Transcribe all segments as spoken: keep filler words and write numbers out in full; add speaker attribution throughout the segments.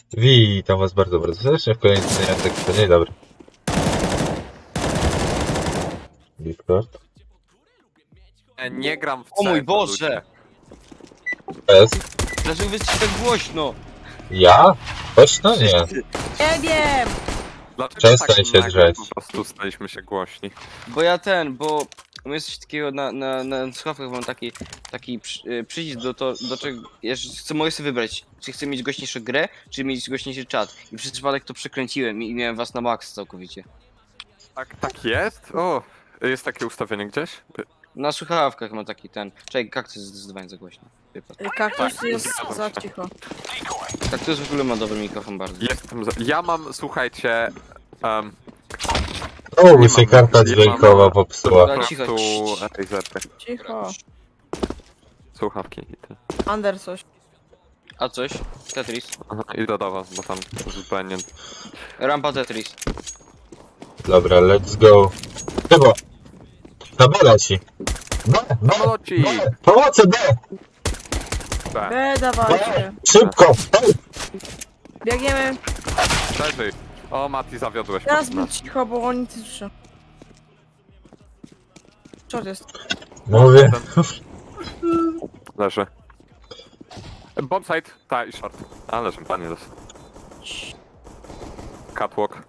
Speaker 1: Witam was bardzo, bardzo serdecznie w kolejnym Jacek. Dzień dobry. Discord.
Speaker 2: Nie, nie gram w
Speaker 3: O mój
Speaker 2: C S,
Speaker 3: Boże!
Speaker 1: Jest.
Speaker 3: Dlaczego wy jesteście tak głośno?
Speaker 1: Ja? Głośno? Nie.
Speaker 4: Nie wiem!
Speaker 2: Dlaczego
Speaker 1: Przestań
Speaker 2: tak
Speaker 1: się
Speaker 2: nagle
Speaker 1: drzeć.
Speaker 2: po prostu staliśmy się głośni?
Speaker 3: Bo ja ten, bo u mnie jest coś takiego na, na, na słuchawkach mam taki, taki przy, y, przycisk do to, do czego, ja chcę, mogę sobie wybrać, czy chcę mieć głośniejszą grę, czy mieć głośniejszy czat. I przez przypadek to przekręciłem i miałem was na max całkowicie.
Speaker 2: Tak, tak jest? O, jest takie ustawienie gdzieś?
Speaker 3: Na słuchawkach mam taki ten, czekaj, kaktus jest zdecydowanie za głośno. Wypad.
Speaker 4: Kaktus
Speaker 2: Tak,
Speaker 4: jest
Speaker 2: zgadzam
Speaker 4: za
Speaker 2: się.
Speaker 4: cicho.
Speaker 3: Kaktus w ogóle ma dobry mikrofon bardzo.
Speaker 2: Jestem za... Ja mam, słuchajcie... Um,
Speaker 1: O,
Speaker 2: Nie
Speaker 1: mi się
Speaker 2: mam-
Speaker 1: karta
Speaker 2: nie
Speaker 1: dźwiękowa
Speaker 2: mam-
Speaker 1: popsuła.
Speaker 2: po
Speaker 3: Dobra, cicho,
Speaker 2: prostu
Speaker 3: cii, cii.
Speaker 2: Razerty,
Speaker 4: Cicho.
Speaker 2: słuchawki i ty.
Speaker 4: Ander coś.
Speaker 3: A coś? Tetris.
Speaker 2: Aha, idę do was, bo tam zupełnie...
Speaker 3: Rampa Tetris.
Speaker 1: Dobra, let's go. Chyba. Na B leci. B, B,
Speaker 2: Samolocik!
Speaker 1: B, pomocy B!
Speaker 2: B.
Speaker 4: B, dawajcie.
Speaker 1: Szybko! Ej!
Speaker 4: Biegniemy.
Speaker 2: Przeżyj. O, Mati, zawiodłeś
Speaker 4: Teraz
Speaker 2: nas.
Speaker 4: bądź cicho, bo oni nic nie słyszą. Co to jest?
Speaker 1: Mówię.
Speaker 2: Leży. Bombsite, ta i short. A, leży, panie dos. Catwalk.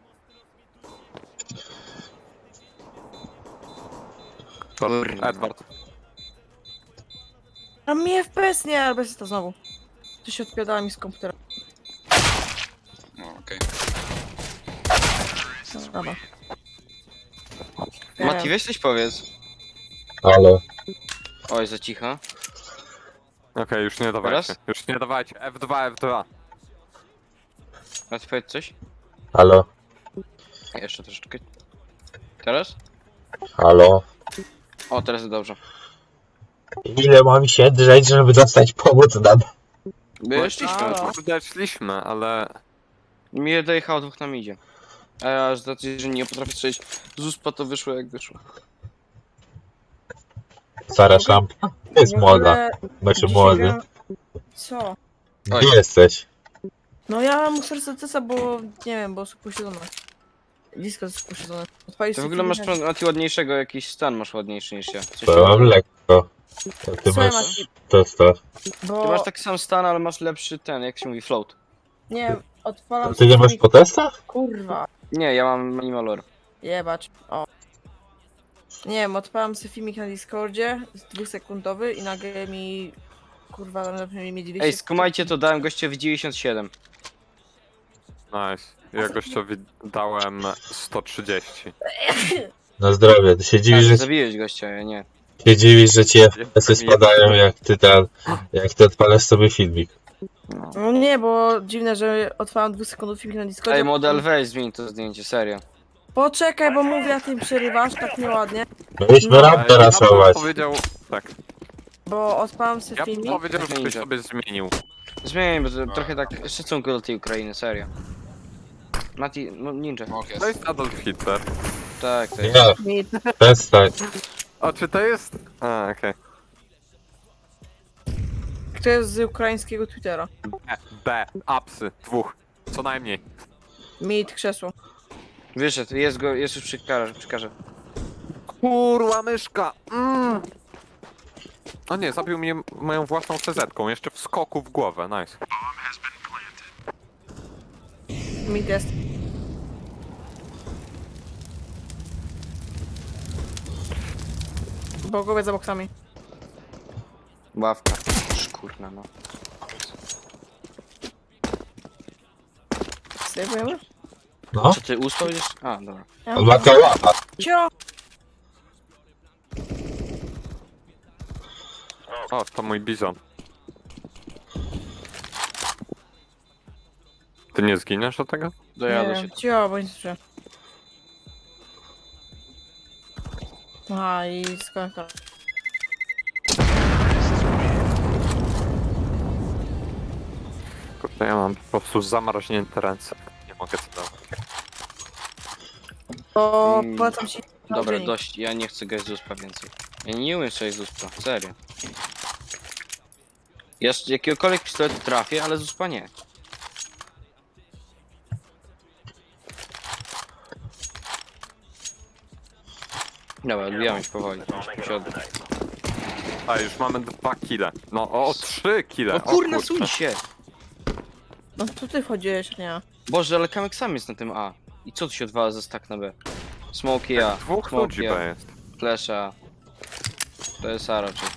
Speaker 3: Kurwa.
Speaker 2: Edward.
Speaker 4: A mi F P S nie, ale bez to znowu. To się odpiadała mi z komputera.
Speaker 5: No, okej.
Speaker 4: No, dobra.
Speaker 3: Mati, weź coś powiedz.
Speaker 1: Halo.
Speaker 3: Oj, za cicho.
Speaker 2: Okej, już nie dawajcie.
Speaker 3: Teraz?
Speaker 2: Już nie dawajcie. F dwa, F dwa.
Speaker 3: Mati, powiedz coś.
Speaker 1: Halo.
Speaker 3: Jeszcze troszeczkę. Teraz?
Speaker 1: Halo.
Speaker 3: O, teraz dobrze.
Speaker 1: Ile mam się drzeć, żeby dostać pomóc na B?
Speaker 3: My szliśmy.
Speaker 4: Halo.
Speaker 2: Kurde, szliśmy, ale...
Speaker 3: Mi dojechało dwóch nam idzie. A ja z racji, że nie potrafię strzelić z uspa, to wyszło jak wyszło.
Speaker 1: Sara Szampa? Jest
Speaker 4: W
Speaker 1: młoda.
Speaker 4: ogóle
Speaker 1: Znaczy
Speaker 4: dzisiaj
Speaker 1: młody.
Speaker 4: gram- Co?
Speaker 3: Oj.
Speaker 1: Gdzie jesteś?
Speaker 4: No ja muszę serca, bo nie wiem, bo są posiedzone. Disco jest posiedzone. Odpalisz
Speaker 3: Ty w
Speaker 4: sobie
Speaker 3: ogóle masz
Speaker 4: filmik.
Speaker 3: Mati ładniejszego, jakiś stan masz ładniejszy niż ja. Coś
Speaker 1: To mam
Speaker 3: tam-
Speaker 1: lekko. To ty
Speaker 4: Słuchaj,
Speaker 1: masz...
Speaker 4: Mati,
Speaker 1: To to.
Speaker 4: bo...
Speaker 3: Ty masz taki sam stan, ale masz lepszy ten, jak się mówi, float.
Speaker 4: Nie wiem, odpalam
Speaker 1: Ty nie masz
Speaker 4: filmik-
Speaker 1: po testach?
Speaker 4: Kurwa.
Speaker 3: Nie, ja mam minimalor.
Speaker 4: Jebacz. O. Nie wiem, odpalam sobie filmik na Discordzie, z dwusekundowy i nagle mi... Kurwa, tam zapewne mi dwieście...
Speaker 3: Ej, skumajcie to, dałem gościowi dziewięćdziesiąt siedem.
Speaker 2: Nice. Ja gościowi dałem sto trzydzieści.
Speaker 1: Na zdrowie. Ty się
Speaker 3: Tak,
Speaker 1: dziwisz, że,
Speaker 3: zabiłeś gościa, ja nie.
Speaker 1: się dziwisz, że ci F P S-y
Speaker 2: Jestem
Speaker 1: spadają,
Speaker 2: jeden.
Speaker 1: jak ty tam... Jak ty odpalasz sobie filmik.
Speaker 3: No.
Speaker 4: No nie, bo dziwne, że otwałem dwusekundowy filmik na Discordzie.
Speaker 3: Ej, model, weź zmień to zdjęcie, serio.
Speaker 4: Poczekaj, bo mówię, a ty mi przerywasz tak nieładnie.
Speaker 1: Mieliśmy
Speaker 4: No,
Speaker 1: rampę
Speaker 2: Ja bym
Speaker 1: raszować.
Speaker 2: powiedział... Tak.
Speaker 4: Bo odpalam sobie
Speaker 2: Ja bym
Speaker 4: filmik.
Speaker 2: powiedział, żebyś
Speaker 3: Ninja.
Speaker 2: sobie zmienił.
Speaker 3: Zmień, bo to trochę tak szacunku do tej Ukrainy, serio. Mati, no ninja.
Speaker 5: Smok
Speaker 2: To
Speaker 5: jest.
Speaker 2: jest Adolf Hitler.
Speaker 3: Tak, to jest.
Speaker 1: Nie,
Speaker 4: Mi-
Speaker 1: przestań.
Speaker 2: O, czy to jest... A, okej.
Speaker 4: Kto jest z ukraińskiego Twittera?
Speaker 2: B, B, apsy, dwóch. Co najmniej.
Speaker 4: Mit krzesło.
Speaker 3: Wyszedł, jest go, jest już przy karze, przy karze.
Speaker 2: Kurwa myszka! Mm. O nie, zabił mnie moją własną C Z-ką, jeszcze w skoku w głowę, nice.
Speaker 4: Mit jest. Bogowie za boksami.
Speaker 3: Ławka. Szkurna, no.
Speaker 4: Sejmujemy?
Speaker 1: No,
Speaker 3: Czy ty uspał gdzieś? A, dobra.
Speaker 1: on ma kałapa.
Speaker 4: Cio!
Speaker 2: O, to mój bizon. Ty nie zginiesz do tego?
Speaker 3: Dojadę
Speaker 4: Nie,
Speaker 3: się.
Speaker 4: cio, bo nie słyszę. Aha, i skończę.
Speaker 2: Kurde, ja mam po prostu zamarznięte ręce. Nie mogę tego.
Speaker 4: To
Speaker 3: Mm,
Speaker 4: polecam ci...
Speaker 3: Dobra,
Speaker 4: dziennik.
Speaker 3: dość, ja nie chcę grać z uspa więcej. Ja nie umiem strzelić z uspa, serio. Ja z jakiegokolwiek pistoletu trafię, ale z uspa nie. Dobra, odbijamy się powoli. Siodło.
Speaker 2: A już mamy dwa kile. No o, trzy kile.
Speaker 3: O kurna,
Speaker 2: kurczę.
Speaker 3: suń się!
Speaker 4: No tu ty wchodziłeś, nie ja.
Speaker 3: Boże, ale Kamek sam jest na tym A. I co tu się odwala za stack na B? Smoky A,
Speaker 2: Dwóch ludzi
Speaker 3: smoky
Speaker 2: B
Speaker 3: A,
Speaker 2: jest.
Speaker 3: flash A. To jest A raczej.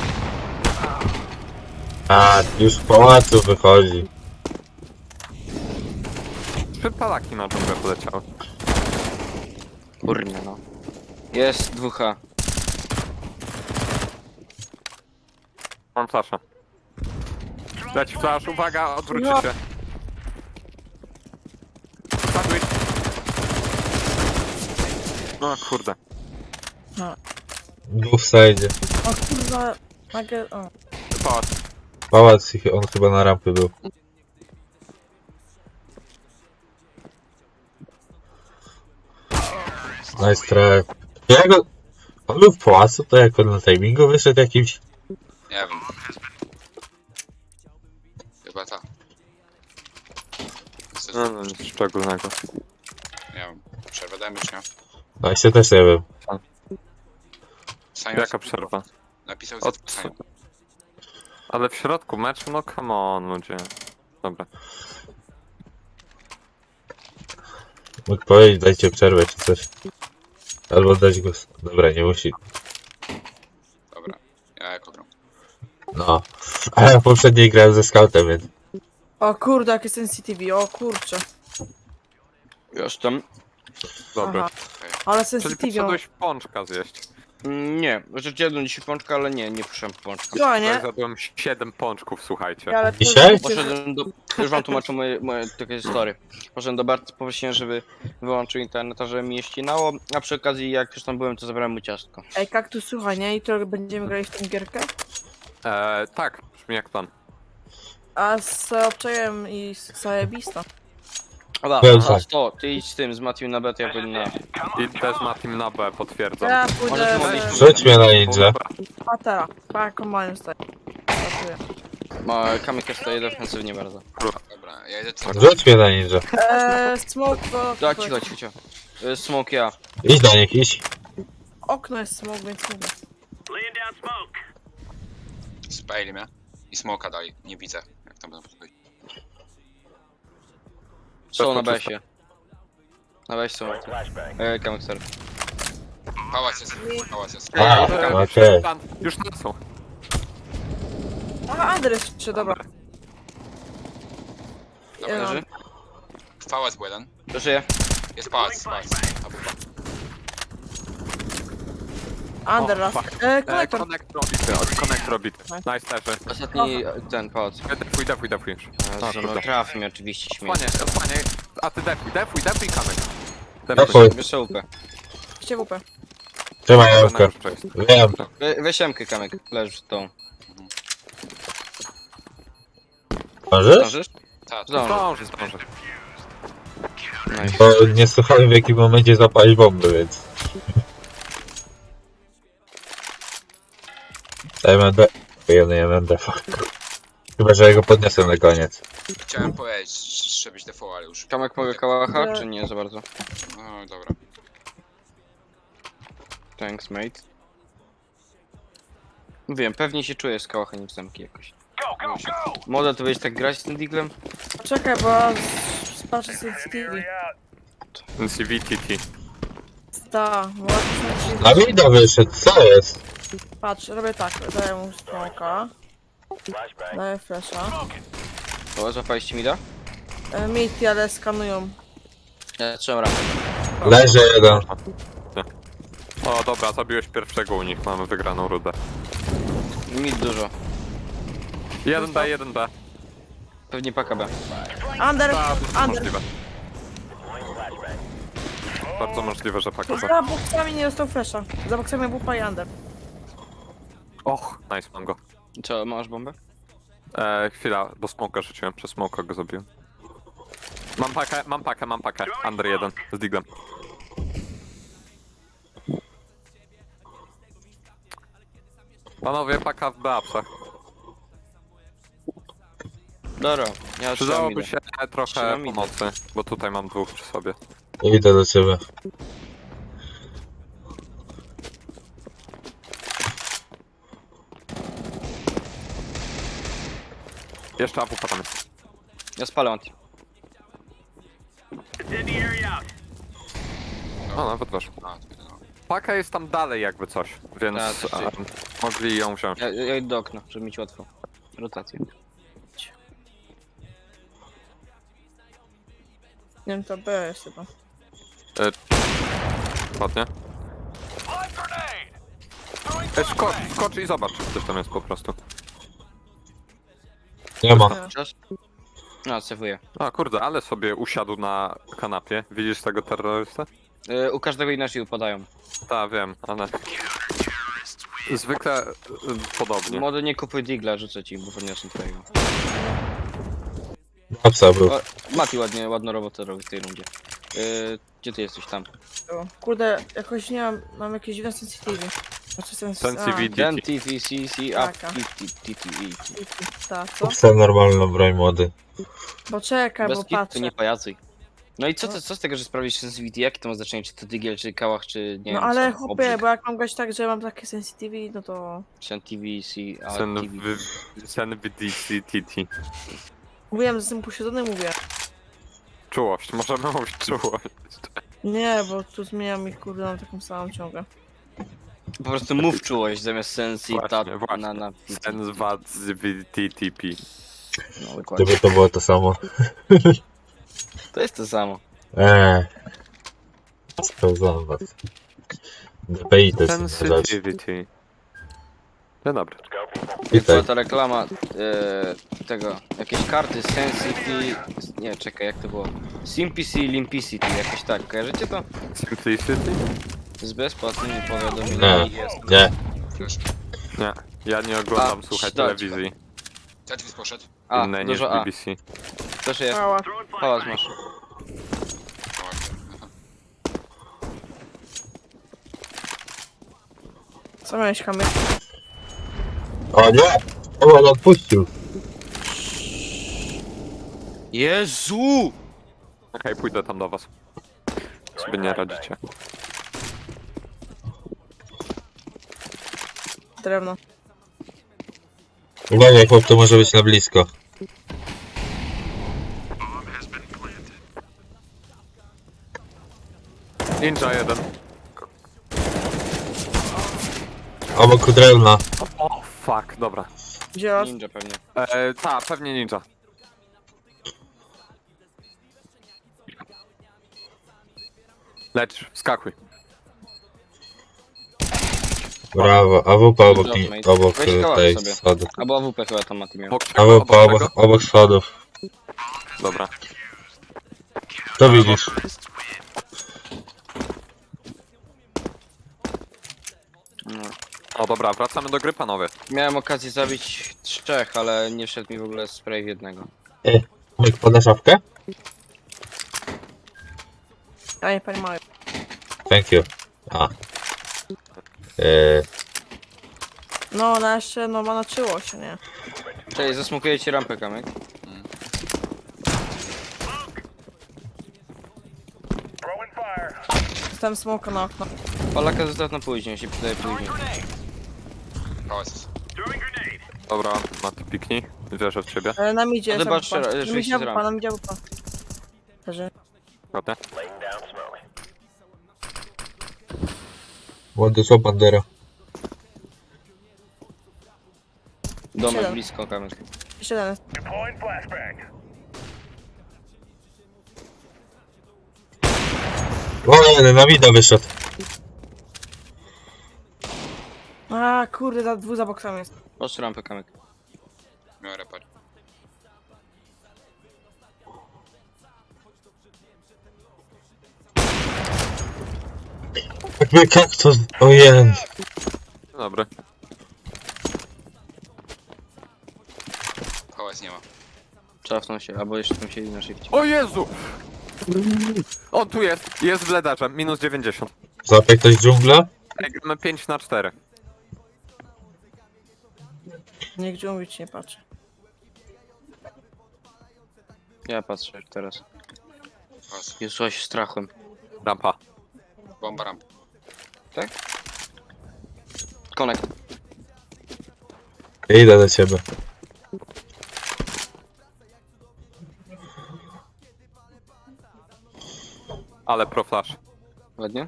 Speaker 1: A, już w pałacu wychodzi.
Speaker 2: Trzy palaki na dżunglę poleciały.
Speaker 3: Kurna no. Jest dwóch A.
Speaker 2: Mam flasza. Leci flash, uwaga, odwróćcie
Speaker 4: No.
Speaker 2: się. Sandwich. No kurde.
Speaker 1: Dwóch w sajdzie.
Speaker 4: O kurwa, nagle... O.
Speaker 2: Pałac.
Speaker 1: Pałac, ich- on chyba na rampy był. Nice try. Jak on... On był w pałacu, to jak on na timingu wyszedł jakimś...
Speaker 5: Nie wiem. Chyba ta. Chcesz,
Speaker 2: No, no nic szczególnego.
Speaker 5: nie wiem. Przerwę dajmy czy nie?
Speaker 1: No i się też nie wiem.
Speaker 5: Science
Speaker 2: Jaka przerwa?
Speaker 5: napisał
Speaker 2: Od...
Speaker 5: z Science.
Speaker 2: Ale w środku meczu, no come on ludzie. Dobra.
Speaker 1: Mógł powiedzieć, dajcie przerwę czy coś. Albo dać go... Dobra, nie musi.
Speaker 5: Dobra. Ja jako gram.
Speaker 1: No. Ale ja poprzedniej grałem ze scoutem, więc...
Speaker 4: O kurde, jakie sensitivity, o kurczę.
Speaker 3: Już tam.
Speaker 2: Dobra.
Speaker 4: Aha. Ale
Speaker 2: Czyli
Speaker 4: sensitivity,
Speaker 2: poszedłeś pączka zjeść.
Speaker 3: Mm, Nie, rzecz jedną dzisiaj pączka, ale nie, nie przyszedłem po pączka.
Speaker 4: no
Speaker 2: Ja
Speaker 4: nie?
Speaker 2: zjadłem siedem pączków, słuchajcie.
Speaker 4: Ale to
Speaker 1: Dzisiaj?
Speaker 4: wiecie, że-
Speaker 3: Poszedłem do... Już wam tłumaczę moje, moje takie story. Poszedłem do Bartka, poprosiłem, żeby wyłączył internet, a żeby mi je ścinało, a przy okazji jak już tam byłem, to zabrałem mu ciastko.
Speaker 4: Ej, kaktus, słuchaj, nie? I to będziemy grali w tę gierkę?
Speaker 2: Eee, tak, brzmi jak plan.
Speaker 4: A z obczajem i z zajebista.
Speaker 3: Dobra,
Speaker 1: Byłem
Speaker 3: a
Speaker 1: tak.
Speaker 3: to, ty idź z tym, z Matthew na B, to ja pójdę na...
Speaker 2: I też ma team na B, potwierdzam.
Speaker 4: Ja
Speaker 3: Może
Speaker 4: pójdę
Speaker 3: tu
Speaker 4: w...
Speaker 1: Rzuć mnie na ninja.
Speaker 4: Patera. Pa, kombajn stoi. Pracuję.
Speaker 3: Ma, Kamyk jest tutaj defensywnie bardzo.
Speaker 5: Dobra, ja idę co?
Speaker 1: Rzuć mnie na ninja.
Speaker 4: Eee, smoke to...
Speaker 3: Tak, cicho, cicho, cicho. Y, Smoke ja.
Speaker 1: Idź do nich, idź.
Speaker 4: Okno jest smoke, więc mówię.
Speaker 5: Spajli mnie. I smoka dali. Nie widzę. Jak tam będą podchodzić.
Speaker 3: Są na
Speaker 2: to
Speaker 3: besie. Na besie są. E, Kamyk, sorry.
Speaker 5: Pałac jest. Pałac jest.
Speaker 1: A,
Speaker 2: Eee,
Speaker 1: okej.
Speaker 2: plan- Już tam są.
Speaker 4: A, adres jeszcze, dobra.
Speaker 5: Dobra,
Speaker 4: Ja-
Speaker 3: Leży.
Speaker 5: pałac był jeden.
Speaker 3: Dożyję.
Speaker 5: Jest pałac, pałac. A bufa.
Speaker 4: Under
Speaker 2: O,
Speaker 4: raz.
Speaker 2: fuck.
Speaker 4: Eee,
Speaker 2: Eee,
Speaker 4: konektor.
Speaker 2: connect robity, od- connect robity.
Speaker 4: Nice.
Speaker 2: Nice leży.
Speaker 3: Ostatni, e, ten, pałac.
Speaker 2: Defuj, defuj, defuj już.
Speaker 3: Jezu, no
Speaker 2: kurde.
Speaker 3: trafi mnie oczywiście, śmiech.
Speaker 2: Osłanie, osłanie. A ty defuj, defuj, defuj kamek.
Speaker 1: Defuj.
Speaker 3: Wiesz łupę.
Speaker 4: Cię W P.
Speaker 1: Trzymaj jałkę. Wiem.
Speaker 3: We, weź Emkę, Kamek, leżysz z tą.
Speaker 1: Możesz?
Speaker 3: Zdążysz?
Speaker 5: Ta, ta.
Speaker 3: Zdążę.
Speaker 2: Zdąży, zdąży.
Speaker 3: Nice.
Speaker 1: Bo nie słuchałem w jakim momencie zapalić bomby, więc... M N D... Jeden M N D, fuck. Chyba, że ja go podniosę na koniec.
Speaker 5: Chciałem powiedzieć, żebyś default, ale już.
Speaker 3: Kamek mogę kałacha, czy nie za bardzo?
Speaker 5: No dobra.
Speaker 3: Thanks, mate. Wiem, pewnie się czuję z kałacha niż zamki jakoś. Moda, to będziesz tak grać z tym diglem?
Speaker 4: Czekaj, bo spatrzę sensitivity.
Speaker 2: C V T T.
Speaker 4: Ta, bo
Speaker 1: Na mida wyszedł, co jest?
Speaker 4: patrz, robię tak, daję mu smoka. Daję flasha.
Speaker 3: O, złapaliście mi da?
Speaker 4: E, Miti, ale skanują.
Speaker 3: Ja trzymam rampę.
Speaker 1: Leży jeden.
Speaker 2: O dobra, zabiłeś pierwszego u nich, mamy wygraną rudę.
Speaker 3: Mid dużo.
Speaker 2: jeden B, jeden B.
Speaker 3: Pewnie paka B.
Speaker 4: Under,
Speaker 2: Tak,
Speaker 4: under.
Speaker 2: możliwe. Bardzo możliwe, że paka B.
Speaker 4: Za boksami nie dostał flasha. Za boksami wupa i under.
Speaker 2: Och, nice, mam go.
Speaker 3: Co, masz bombę?
Speaker 2: Eee, chwila, bo smoka rzuciłem, przez smoka go zabiłem. Mam pakę, mam pakę, mam pakę. Under jeden, z diglem. Panowie, paka w B-upsach.
Speaker 3: Dobra, ja trzymam
Speaker 2: Przydałoby
Speaker 3: mida.
Speaker 2: się trochę
Speaker 3: Trzymam idę.
Speaker 2: pomocy, bo tutaj mam dwóch przy sobie.
Speaker 1: Idę do ciebie.
Speaker 2: Jeszcze A W P tam jest.
Speaker 3: Ja spalę anti.
Speaker 2: O, nawet weszło.
Speaker 5: A, to no.
Speaker 2: Paka jest tam dalej jakby coś, więc
Speaker 3: Tak, tak.
Speaker 2: em, mogli ją wziąć.
Speaker 3: Ja, ja idę do okna, żeby mieć łatwo. Rotację.
Speaker 4: Nie wiem, to B jest chyba.
Speaker 2: Ładnie. Ej, skocz, skocz i zobacz, czy ktoś tam jest po prostu.
Speaker 1: Nie ma.
Speaker 4: Nie.
Speaker 3: Czas? No, sewuję.
Speaker 2: A kurde, ale sobie usiadł na kanapie. Widzisz tego terrorystę?
Speaker 3: Yy, u każdego inaczej upadają.
Speaker 2: Tak, wiem, ale... Zwykle y, podobnie.
Speaker 3: Młody, nie kupuj digla, rzucę ci, bo podniosę twojego.
Speaker 1: Napsa był.
Speaker 3: O, Mati ładnie, ładną robotę robi w tej rundzie. Yy, gdzie ty jesteś tam?
Speaker 4: Było. Kurde, jakoś nie mam, mam jakieś dziwne sensitivity. Znaczy sens...
Speaker 2: Sensitivity.
Speaker 3: Ten T V C C up
Speaker 4: Taka.
Speaker 3: T T E.
Speaker 4: Tak, co?
Speaker 1: Kupca normalną broń młody.
Speaker 4: Bo czekaj,
Speaker 3: Bez
Speaker 4: bo
Speaker 3: kitu,
Speaker 4: patrzę.
Speaker 3: nie pajacuj. No i co, to, co z tego, że sprawisz sensitivity? Jakie to ma znaczenie? Czy to digiel, czy kałach, czy nie
Speaker 4: No
Speaker 3: wiem
Speaker 4: ale
Speaker 3: co?
Speaker 4: chłopie,
Speaker 3: Obrzyk.
Speaker 4: bo jak mam grać tak, że mam takie sensitivity, no to...
Speaker 3: Sen T V C, a
Speaker 2: Sen
Speaker 3: T V.
Speaker 2: w... Sen w D C T T.
Speaker 4: Mówiłem, że jestem posiedzony, mówię.
Speaker 2: Czułość, możemy mówić czułość.
Speaker 4: Nie, bo tu zmieniam ich, kurde, mam taką samą ciągę.
Speaker 3: Po prostu mów czułość zamiast sensi,
Speaker 2: Właśnie,
Speaker 3: ta,
Speaker 2: właśnie.
Speaker 3: na, na...
Speaker 2: Sen z W T T P.
Speaker 3: No, dokładnie.
Speaker 1: Gdyby to było to samo.
Speaker 3: To jest to samo.
Speaker 1: Eee. Sprawdzam was. D P I to jest inna rzecz.
Speaker 2: Sensitivity. Dzień dobry.
Speaker 3: Była
Speaker 1: Witaj.
Speaker 3: ta reklama e, tego, jakieś karty Sensity, nie czekaj jak to było, Simplicity, Limpicity, jakoś tak, kojarzycie to?
Speaker 2: Simplicity?
Speaker 3: Z bezpłatnymi powiadomieniami
Speaker 1: Nie.
Speaker 3: jest.
Speaker 1: Nie.
Speaker 5: Flash.
Speaker 2: Nie. Ja nie oglądam,
Speaker 3: A,
Speaker 2: słuchaj,
Speaker 3: dać.
Speaker 2: telewizji
Speaker 5: Tetris poszedł.
Speaker 3: A,
Speaker 2: innej niż
Speaker 3: dużo
Speaker 2: B
Speaker 3: A,
Speaker 2: B C.
Speaker 3: też jest,
Speaker 4: Mała.
Speaker 3: pałac masz.
Speaker 5: O, aha.
Speaker 4: Co miałeś, Kamil?
Speaker 1: O nie! O, on odpuścił.
Speaker 3: Jezu!
Speaker 2: Okej, pójdę tam do was. Sobie nie radzicie.
Speaker 4: Drewno.
Speaker 1: Uwaga, chłop, to może być na blisko.
Speaker 2: Ninja jeden.
Speaker 1: Obok drewna.
Speaker 2: O, fuck, dobra.
Speaker 4: Gdzie was?
Speaker 3: Ninja pewnie.
Speaker 2: E, ta, pewnie ninja. Leć, skakuj.
Speaker 1: Brawo. A W P obok,
Speaker 3: Dobrze,
Speaker 1: ni-
Speaker 3: mate.
Speaker 1: obok
Speaker 3: Weź
Speaker 1: e,
Speaker 3: kałach
Speaker 1: tej
Speaker 3: sobie.
Speaker 1: schodów.
Speaker 3: Albo A W P chyba tam Mati miał.
Speaker 2: Obok
Speaker 1: A
Speaker 2: czego?
Speaker 1: W
Speaker 2: Obok
Speaker 1: P obok,
Speaker 2: czego?
Speaker 1: obok schodów.
Speaker 2: Dobra.
Speaker 1: To widzisz.
Speaker 3: No.
Speaker 2: O dobra, wracamy do gry, panowie.
Speaker 3: Miałem okazję zabić trzech, ale nie wszedł mi w ogóle spray w jednego.
Speaker 1: E, Myk, podasz szafkę?
Speaker 4: A nie, pani mały.
Speaker 1: Thank you. A. Eee,
Speaker 4: No, ona jeszcze, no, ma naczyło się, nie?
Speaker 3: Czyli zasmukuję ci rampę, Kamek.
Speaker 4: Dostałem smoka na okno.
Speaker 3: Polaka zostaw na później, się przydaje później.
Speaker 5: Pałac jest.
Speaker 2: Dobra, Mati, piknij. Wierzę w ciebie.
Speaker 4: E, na midzie
Speaker 3: No
Speaker 4: jest
Speaker 3: zobacz,
Speaker 4: A W P.
Speaker 3: że-
Speaker 4: Na
Speaker 3: że
Speaker 4: midzie
Speaker 3: się
Speaker 4: A W P,
Speaker 3: zram.
Speaker 4: na midzie A W P. Leży.
Speaker 2: Ładnie.
Speaker 1: młody są bandera.
Speaker 3: Domek
Speaker 4: Siedem.
Speaker 3: blisko, Kamek.
Speaker 4: Jeszcze jeden jest.
Speaker 1: O nie, na mida wyszedł.
Speaker 4: A, kurde, za dwóch za boksami jest.
Speaker 3: Patrz rampę, Kamek.
Speaker 5: Miał repar.
Speaker 1: Jakby kaktus. Ojej.
Speaker 2: Dobry.
Speaker 5: Pałac nie ma.
Speaker 3: Czafnął się, albo jeszcze tam siedzi na szybcie.
Speaker 2: O Jezu! On tu jest, jest w ledarze, minus dziewięćdziesiąt.
Speaker 1: Złapie ktoś dżunglę?
Speaker 2: Ej, gramy pięć na cztery.
Speaker 4: Niech dżungli ci nie patrzy.
Speaker 3: Ja patrzę teraz.
Speaker 5: Pałac.
Speaker 3: Jezu, ja się strachłem.
Speaker 2: Rampa.
Speaker 5: Bomba ramp.
Speaker 3: Konek.
Speaker 1: Idę do ciebie.
Speaker 2: Ale pro flash.
Speaker 3: Ładnie.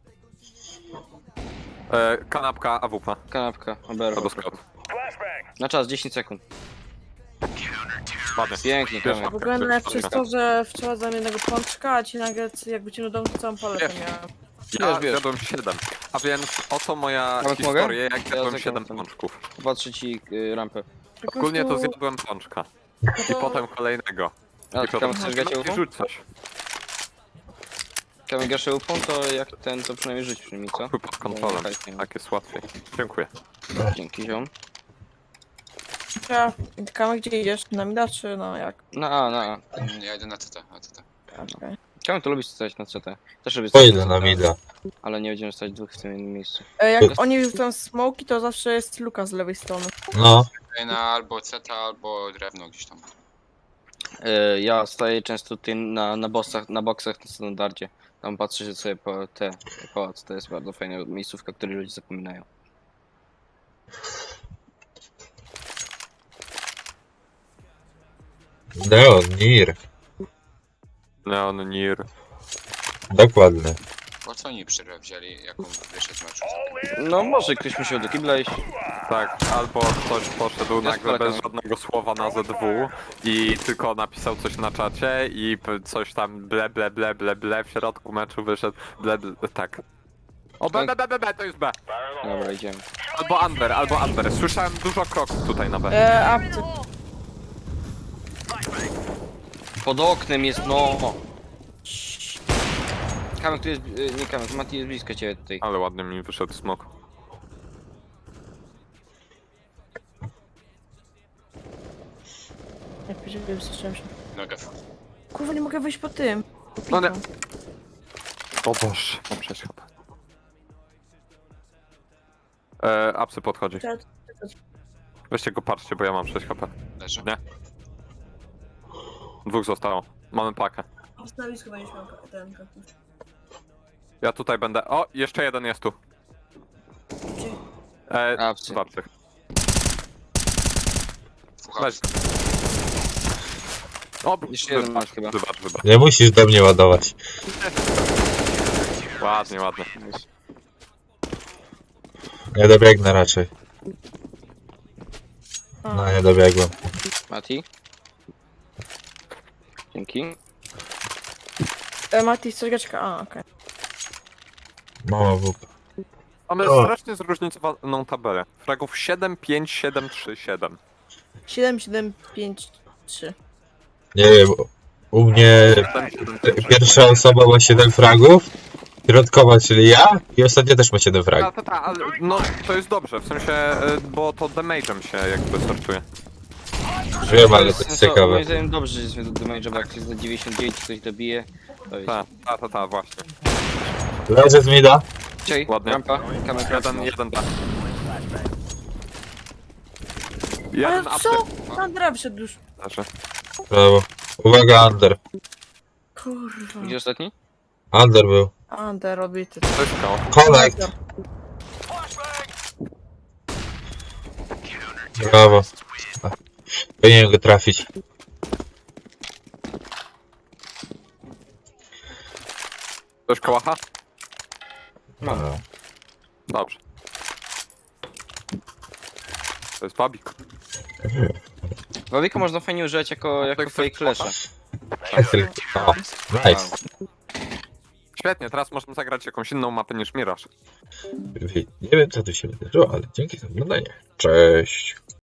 Speaker 2: E, kanapka A W P.
Speaker 3: Kanapka, oberwa.
Speaker 2: Albo scout.
Speaker 3: Na czas, dziesięć sekund.
Speaker 2: Ładnie.
Speaker 3: Pięknie,
Speaker 2: Wiesz,
Speaker 3: Kamek.
Speaker 4: W ogóle najlepsze jest to, że wczoraj zamiast jednego pączka, a ci nagle jak wyciągnął dom, to całą paletę
Speaker 2: Wiesz.
Speaker 4: miałem.
Speaker 2: Ja
Speaker 3: Wiesz, wiesz.
Speaker 2: zjadłem siedem. A więc oto moja
Speaker 3: Nawet
Speaker 2: historia,
Speaker 3: mogę?
Speaker 2: jak zjadłem
Speaker 3: Ja
Speaker 2: siedem
Speaker 3: zagram.
Speaker 2: pączków.
Speaker 3: Patrzę ci y, rampę.
Speaker 4: Po
Speaker 2: Ogólnie to
Speaker 4: prostu-
Speaker 2: zjadłem pączka.
Speaker 4: no
Speaker 2: I
Speaker 4: to-
Speaker 2: potem kolejnego.
Speaker 3: A
Speaker 2: I
Speaker 3: ty
Speaker 2: potem
Speaker 3: Kamek chcesz grać
Speaker 2: i
Speaker 3: ufą?
Speaker 2: rzuć coś.
Speaker 3: Kamek grasz ufą, to jak ten, to przynajmniej rzuć przy mi, co?
Speaker 2: Chuj pod kontrolą.
Speaker 3: No, fajnie.
Speaker 2: Tak jest łatwiej. Dziękuję.
Speaker 3: Dzięki, ziom.
Speaker 4: Ja, Kamek, gdzie idziesz? Na mida czy no jak?
Speaker 3: Na A, na A.
Speaker 5: Mm, Ja idę na C T, na C T.
Speaker 4: Okay.
Speaker 3: Kamek to lubi stać na C T. Też lubię stać
Speaker 1: Pojedę
Speaker 3: na
Speaker 1: na
Speaker 3: C T,
Speaker 1: mida.
Speaker 3: ale nie będziemy stać dwóch w tym jednym miejscu.
Speaker 4: E, Jak oni rzucają smoki, to zawsze jest luka z lewej strony.
Speaker 1: No,
Speaker 5: Tutaj na albo C T, albo drewno gdzieś tam.
Speaker 3: E, ja staję często tutaj na, na bossach, na boksach na standardzie. Tam patrzę się sobie po te pałac. To jest bardzo fajna miejscówka, której ludzie zapominają.
Speaker 1: Neon, Nir.
Speaker 2: Leon Nir.
Speaker 1: Dokładnie.
Speaker 5: Po co oni przerwę wzięli, jaką wyszedł z meczu?
Speaker 3: No może ktoś musiał do kibla iść.
Speaker 2: Tak, albo ktoś poszedł
Speaker 3: Ja
Speaker 2: nagle
Speaker 3: sprawdzam.
Speaker 2: bez żadnego słowa na Z W i tylko napisał coś na czacie i p- coś tam ble ble ble ble ble w środku meczu wyszedł ble, ble tak. O B, B, B, B, B, to jest B.
Speaker 3: Dobra, idziemy.
Speaker 2: Albo Under, albo Under. Słyszałem dużo kroków tutaj na B.
Speaker 4: E, apty.
Speaker 3: Pod oknem jest, no! Kamek tu jest, y, nie Kamek, Mati jest blisko ciebie tutaj.
Speaker 2: Ale ładnie mi wyszedł smok.
Speaker 4: Jak powiedziałem, słyszałem się.
Speaker 5: Nogę.
Speaker 4: Kurwa, nie mogę wyjść po tym. Po
Speaker 2: No nie.
Speaker 4: piku.
Speaker 2: O Boże, mam sześć H P. E, Apsy podchodzi.
Speaker 4: Czekaj,
Speaker 2: Weźcie go, patrzcie, bo ja mam sześć H P.
Speaker 5: Leży.
Speaker 2: Nie. Dwóch zostało. Mamy pakę.
Speaker 4: Na stanowisku będziesz miał ten kaktus.
Speaker 2: Ja tutaj będę. O, jeszcze jeden jest tu.
Speaker 4: Gdzie?
Speaker 2: E,
Speaker 3: Apsy.
Speaker 2: Zobaczcie.
Speaker 5: Fucha.
Speaker 2: Weź. O,
Speaker 3: Jeszcze jeden
Speaker 2: wybacz,
Speaker 3: masz chyba.
Speaker 2: wybacz, wybacz.
Speaker 1: Nie musisz do mnie ładować.
Speaker 2: Ładnie, ładnie.
Speaker 1: Nie dobiegnę raczej.
Speaker 4: A,
Speaker 1: No, nie dobiegłem.
Speaker 3: Mati? Dzięki.
Speaker 4: e, Mati, coś gaczka. A, okej.
Speaker 1: Mama W P.
Speaker 2: Mamy
Speaker 1: O.
Speaker 2: strasznie zróżnicowaną tabelę. Fragów siedem, pięć, siedem, trzy, siedem.
Speaker 4: siedem, siedem, pięć, trzy.
Speaker 1: Nie wiem, u mnie
Speaker 2: siedem, siedem, trzy.
Speaker 1: pierwsza osoba ma siedem fragów, środkowa, czyli ja, i ostatnia też ma siedem
Speaker 2: Ta,
Speaker 1: fragów.
Speaker 2: ta, ta, ale no to jest dobrze, w sensie, e, bo to damage'em się jakby sortuje.
Speaker 1: Wiem, ale to jest ciekawe.
Speaker 3: Moim zdaniem dobrze, że jest do damage'a, bo jak jest za dziewięćdziesiąt dziewięć ktoś dobije, to jest...
Speaker 2: Ta, ta, ta, ta, właśnie.
Speaker 1: Leży z mida.
Speaker 3: Cześć,
Speaker 2: Ładnie.
Speaker 3: rampa, Kamek,
Speaker 2: Jeden, jeden, ta. Jeden
Speaker 4: Ale
Speaker 2: apsy.
Speaker 4: co? Sandra wszedł już.
Speaker 2: Leży.
Speaker 1: Brawo. Uwaga, under.
Speaker 4: Kurwa.
Speaker 3: Gdzie ostatni?
Speaker 1: Under był.
Speaker 4: Under robity.
Speaker 2: To jest koło.
Speaker 1: Connect. Brawo. Powinienem go trafić.
Speaker 2: Ktoś kołacha?
Speaker 3: Mam.
Speaker 1: No.
Speaker 2: Dobrze. To jest babik.
Speaker 3: Wawika można fajnie używać jako, jako
Speaker 2: Tak,
Speaker 3: fake
Speaker 2: tak.
Speaker 3: flesza.
Speaker 1: O, nice.
Speaker 2: Świetnie, teraz możemy zagrać jakąś inną mapę niż Mirage.
Speaker 1: Nie wiem, co tu się wydarzyło, ale dzięki za oglądanie. Cześć.